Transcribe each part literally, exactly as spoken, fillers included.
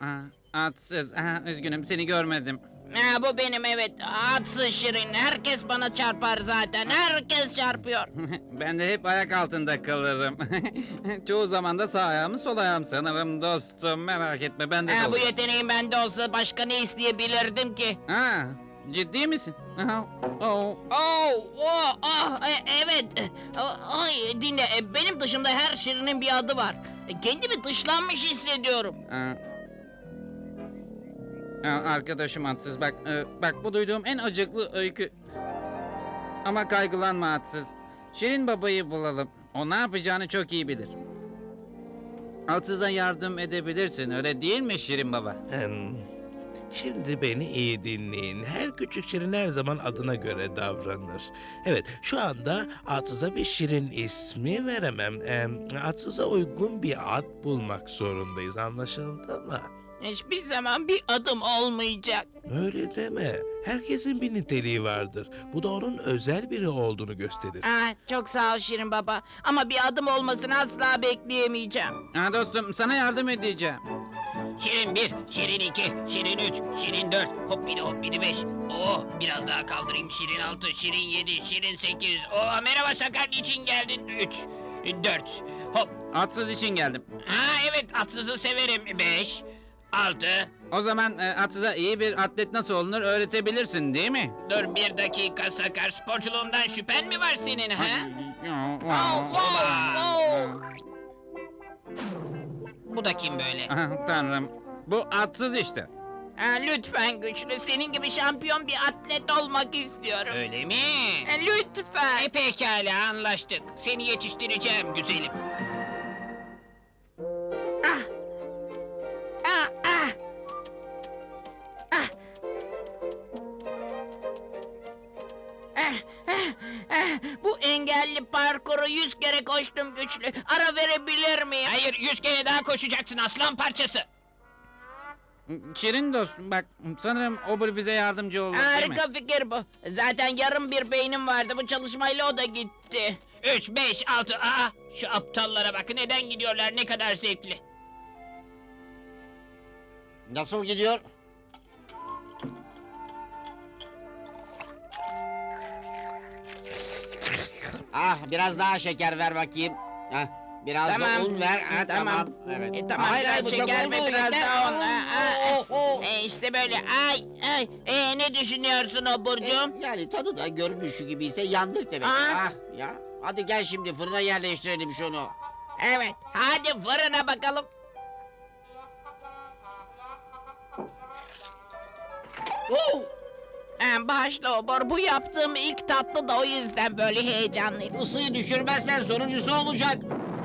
Aa, atsız. Aha, üzgünüm seni görmedim. Ha, bu benim evet. Atsız Şirin. Herkes bana çarpar zaten. Herkes çarpıyor. Ben de hep ayak altında kalırım. Çoğu zaman da sağ ayağım sol ayağım sanırım dostum. Merak etme ben de Ha, bu kalırım. yeteneğim bende olsa başka ne isteyebilirdim ki? Ha, ciddi misin? Aha, oh. Oh, oh, ah, e- evet. Ah, Ay, dinle. e, Benim dışımda her Şirin'in bir adı var. E, Kendimi dışlanmış hissediyorum. Aa. Aa, arkadaşım Atsız bak, e, bak bu duyduğum en acıklı öykü. Ama kaygılanma Atsız. Şirin babayı bulalım. O ne yapacağını çok iyi bilir. Atsız'a yardım edebilirsin, öyle değil mi Şirin baba? Hem, şimdi beni iyi dinleyin. Her küçük şirin her zaman adına göre davranır. Evet, şu anda Atsız'a bir şirin ismi veremem. Em, Atsız'a uygun bir ad bulmak zorundayız. Anlaşıldı mı? Hiçbir zaman bir adım olmayacak. Öyle deme. Herkesin bir niteliği vardır. Bu da onun özel biri olduğunu gösterir. Ah, çok sağ ol Şirin baba. Ama bir adım olmasını asla bekleyemeyeceğim. Ha dostum, sana yardım edeceğim. Şirin bir, Şirin iki, Şirin üç, Şirin dört, hoppidi hoppidi beş. Oh, biraz daha kaldırayım. Şirin altı, Şirin yedi, Şirin sekiz. Oh, merhaba Sakar, niçin geldin? Üç, dört, hop. Atsız için geldim. Ha evet, atsızı severim. Beş, altı. O zaman e, Atsız'a iyi bir atlet nasıl olunur öğretebilirsin değil mi? Dur bir dakika Sakar, sporculuğumdan şüphen mi var senin ha? Oh, oh, oh. Bu da kim böyle? Ah, Tanrım, bu Atsız işte. Ha, lütfen güçlü, senin gibi şampiyon bir atlet olmak istiyorum. Öyle mi? Ha, lütfen. E pekala, anlaştık. Seni yetiştireceğim güzelim. Ah. Ah, ah. Ah. Ah, ah, ah. Bu engelli parkuru yüz kere koştum güçlü. Ara verebilir miyim? Hayır, yüz kere daha koşacaksın aslan parçası. Şirin dostum bak, sanırım Obur bize yardımcı olur değil mi? Harika fikir bu. Zaten yarım bir beynim vardı. Bu çalışmayla o da gitti. Üç, beş, altı. Aa, şu aptallara bak. Neden gidiyorlar? Ne kadar zevkli. Nasıl gidiyor? Ah, biraz daha şeker ver bakayım. Hah, biraz Tamam. da un ver. Ha, Tamam. tamam. Evet. E, tamam, Hayır, hayır, biraz bu çok şeker oldu. ve biraz Yeter. daha un. Ha, ha, Oh, oh, oh. E, işte böyle. Ay, ay. E, ne düşünüyorsun Oburcuğum? E, yani tadı da görünüşü gibiyse yandık demek. Aa. Ah ya. Hadi gel şimdi fırına yerleştirelim şunu. Evet. Hadi fırına bakalım. Oh! Ha, bağışla Obur. Bu yaptığım ilk tatlı da o yüzden böyle heyecanlıyım. Isıyı düşürmezsen sonuncusu olacak.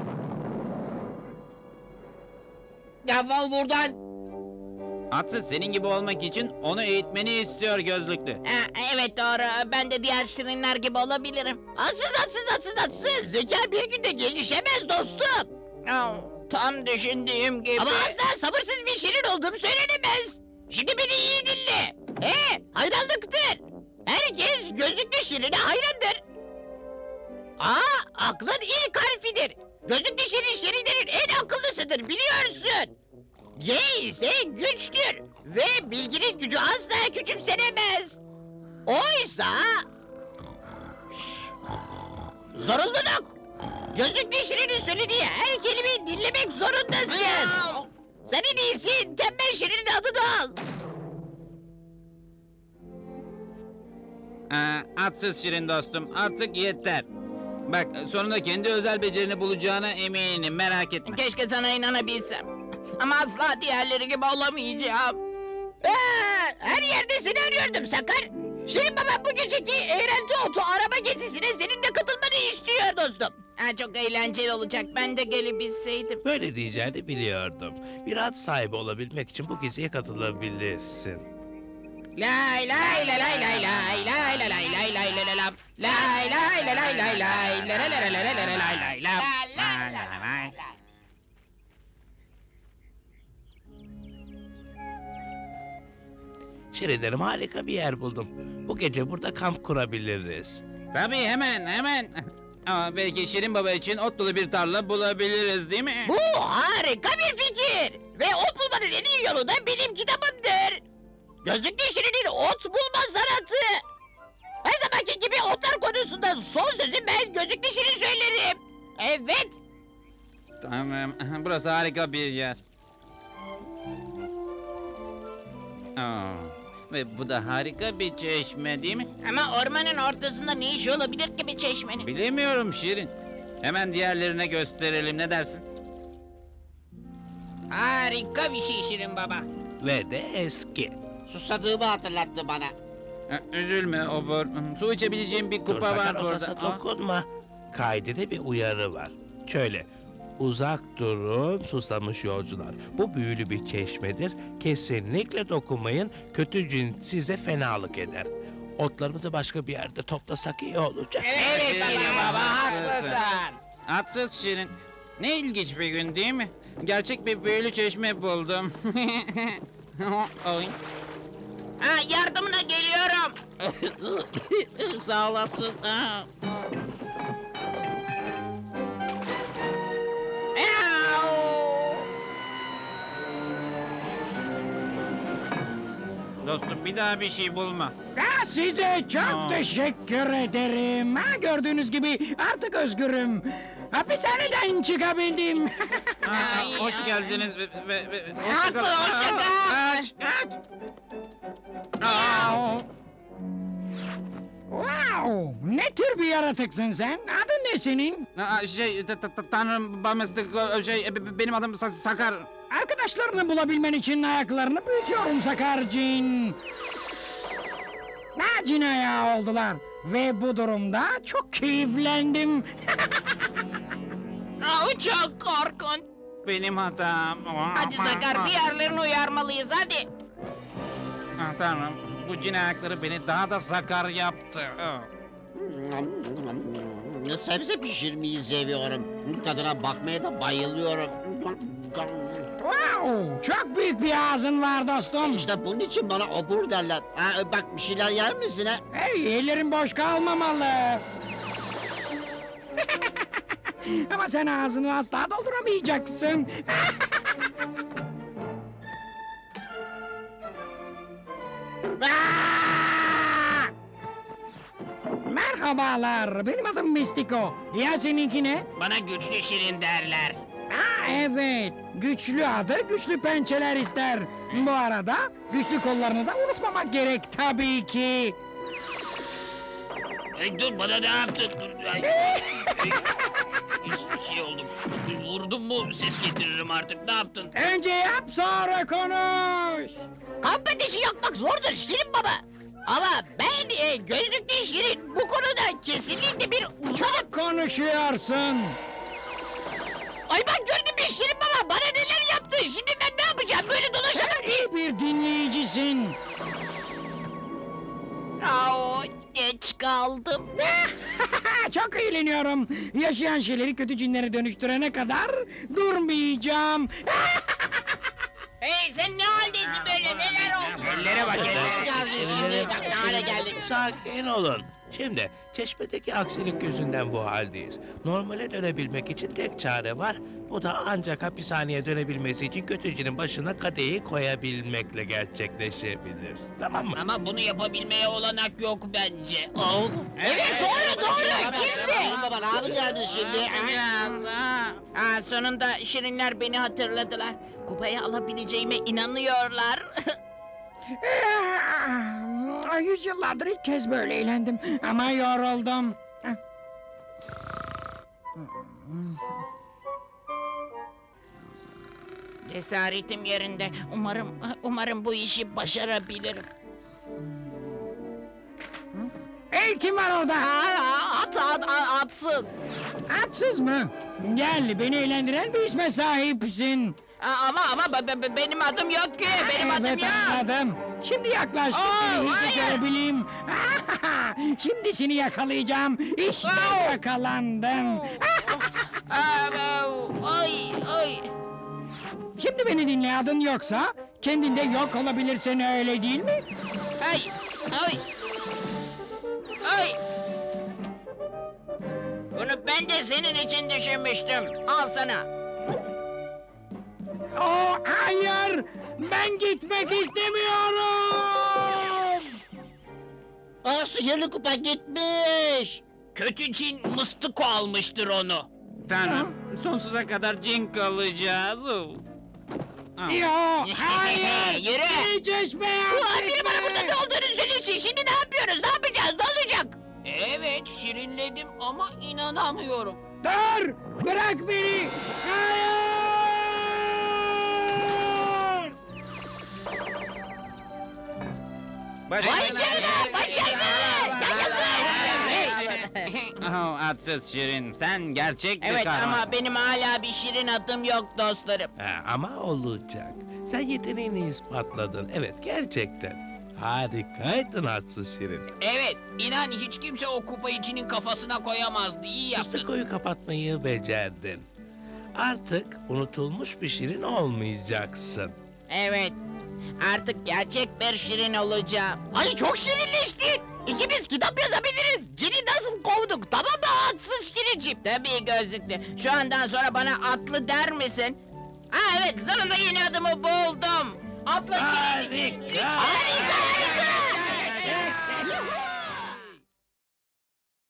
Defol buradan. Atsız senin gibi olmak için onu eğitmeni istiyor gözlüklü. Ha, evet doğru. Ben de diğer şirinler gibi olabilirim. Atsız atsız atsız atsız. Zeka bir günde gelişemez dostum. Oh, tam düşündüğüm gibi. Ama asla sabırsız bir şirin olduğum söylenemez. Şimdi beni iyi dinle. He, hayranlıktır. Herkes gözlüklü şirine hayrandır. A, aklın ilk harfidir. Gözlüklü şirin şirinlerin en akıllısıdır biliyorsun. G ise güçtür ve bilginin gücü asla küçümsenemez. Oysa... Zorunluluk. Gözlüklü şirinin söylediği her kelimeyi dinlemek zorundasın. Sen en iyisi tembel şirinin adını al. Aa, atsız Şirin dostum, artık yeter. Bak, sonunda kendi özel becerini bulacağına eminim, merak etme. Keşke sana inanabilsem. Ama asla diğerleri gibi olamayacağım. Aa, her yerde seni arıyordum Sakar. Şirin baba bu geceki eğlence otu araba gezisine senin de katılmanı istiyor dostum. Ha, çok eğlenceli olacak. Ben de gelebilseydim. Böyle diyeceğini biliyordum. Bir ad sahibi olabilmek için bu geziye katılabilirsin. Lay lay lay lay lay lay lay lay lay lay lay lay lay lam. Lay lay lay lay lay lay lay lay lay lay lay lay lay lay lam. Lay lay lay. Şirinlerim harika bir yer buldum. Bu gece burada kamp kurabiliriz. Tabii hemen hemen. Ama belki Şirin Baba için ot dolu bir tarla bulabiliriz değil mi? Bu harika bir fikir. Ve ot bulmanın Şirinlerin en iyi yolu da benim kitabımdır. Gözlüklü Şirin'in ot bulma sanatı. Her zamanki gibi otlar konusunda son sözü ben Gözlüklü Şirin söylerim. Evet. Tamam, burası harika bir yer. Aa, ve bu da harika bir çeşme değil mi? Ama ormanın ortasında ne işi olabilir ki bir çeşmenin? Bilemiyorum Şirin. Hemen diğerlerine gösterelim, ne dersin? Harika bir şey Şirin Baba. Ve de eski. Susadığımı hatırlattı bana. Ha, üzülme Obur. Su içebileceğim bir Dur, kupa var sakın o burada. sasa Aa, dokunma. Kaydede bir uyarı var. Şöyle. Uzak durun susamış yolcular. Bu büyülü bir çeşmedir. Kesinlikle dokunmayın. Kötü cin size fenalık eder. Otlarımızı başka bir yerde toplasak iyi olacak. Evet Şirin Şirin Baba, Baba haklısın. haklısın. Haksız Şirin. Ne ilginç bir gün değil mi? Gerçek bir büyülü çeşme buldum. Oy. Ha, yardımına geliyorum. Sağ olasın. Aa. Miau. Dostum bir daha bir şey bulma. Ha, size çok Aa. teşekkür ederim. Ha, gördüğünüz gibi artık özgürüm. Hapishaneden çıkabildim. Aa, hoş geldiniz ve, ve, ve hoşça kal. Haklı, hoşça kal. Aa, Kaç, kaç. Aa. Wow, ne tür bir yaratıksın sen? Adın ne senin? Aa, şey, ta- ta- ta- tanrım, bamıstık, şey, e, be- benim adım Sa- Sakar. Arkadaşlarını bulabilmen için ayaklarını büyütüyorum Sakarcin. Ha, cin ayağı oldular. Ve bu durumda çok keyiflendim. Aa, çok korkunç. Benim hatam. Hadi Sakar diğerlerini uyarmalıyız hadi. Ah, tanrım, bu cin ayakları beni daha da sakar yaptı. Ah. Sebze pişirmeyi seviyorum. Tadına bakmaya da bayılıyorum. Wow, çok büyük bir ağzın var dostum. İşte bunun için bana obur derler. Ha, bak bir şeyler yer misin ha? Hey, ellerin boş kalmamalı. Ama sen ağzını asla dolduramayacaksın. Aa! Merhabalar, benim adım Mistiko. Ya seninki ne? Bana güçlü Şirin derler. Ha, evet, güçlü adı güçlü pençeler ister. Bu arada güçlü kollarını da unutmamak gerek tabii ki. Ay, dur bana ne yaptın? Dur, ay. Bir şey oldu. Vurdum mu ses getiririm artık. Ne yaptın? Önce yap sonra konuş. Kamp ateşi yakmak zordur Şirin Baba. Ama ben e, gözlüklü Şirin bu konuda kesinlikle bir uzmanım. Çok konuşuyorsun. Ay bak gördün mü Şirin Baba bana neler yaptı. Şimdi ben ne yapacağım böyle dolaşamam Sen ki. iyi bir dinleyicisin. Aa, geç kaldım. Çok eğleniyorum. Yaşayan şeyleri kötü cinlere dönüştürene kadar durmayacağım. Hey sen ne haldesin böyle neler oldu? Ellere bak ellere. Geldi şimdi bak ne hale geldik. Sakin olun. Şimdi çeşmedeki aksilik yüzünden bu haldeyiz. Normale dönebilmek için tek çare var. Bu da ancak hapishaneye dönebilmesi için kötücünün başına kadehi koyabilmekle gerçekleşebilir. Tamam mı? Ama bunu yapabilmeye olanak yok bence. Oh. Evet doğru doğru kimse. Şirin Baba ne yapacaksın şimdi? Biraz daha. Aa, sonunda Şirinler beni hatırladılar. Kupayı alabileceğime inanıyorlar. Ah, Yüzyıllardır ilk kez böyle eğlendim ama yoruldum. Cesaretim yerinde. Umarım umarım bu işi başarabilirim. Hey, kim var orada? Aa, at, at, at- atsız. Atsız mı? Gel, beni eğlendiren bir isme sahipsin. Aa, ama ama be- be- be- benim adım yok ki. Benim adım Evet, yok. anladım. Şimdi yaklaştın, Aa, beni hayır. iyice görebileyim. Şimdi seni yakalayacağım. İşte Aa. yakalandın. Aa, Ay ay. Şimdi beni dinle, adın yoksa kendinde yok olabilirsin, öyle değil mi? Ay ay. Ay. Bunu ben de senin için düşünmüştüm. Al sana. Oo, hayır, Hayır! Ben gitmek istemiyorum! Aa, sihirli kupa gitmiş. Kötü cin mıstıko almıştır onu. Tanrım, sonsuza kadar cin kalacağız. Oh. Ah. Yo, hayır! Yürü. Beni çeşmeye Ulan biri bana burada ne olduğunu söylesin. Şimdi ne yapıyoruz? Ne yapacağız? Ne olacak? Evet şirinledim ama inanamıyorum. Dur! Bırak beni! Hayır! Başarın! canına, başardı! Yaşasın! Oh, atsız Şirin, sen gerçek bir Evet kahramansın. ama benim hala bir şirin adım yok dostlarım. Ha, ama olacak. Sen yeteneğini ispatladın. Evet, gerçekten. Harikaydın atsız şirin. Evet inan hiç kimse o kupayı içinin kafasına koyamazdı. İyi yaptın. Mıstikoyu kapatmayı becerdin. Artık unutulmuş bir şirin olmayacaksın. Evet artık gerçek bir şirin olacağım. Ay çok şirinleştin. İkimiz kitap yazabiliriz. Cini nasıl kovduk? Tamam mı haksız şirincim? Tabii gözlüklü. Şu andan sonra bana atlı der misin? Ha evet sonunda yeni adımı buldum. Atlı şirin için. Harika! Harika harika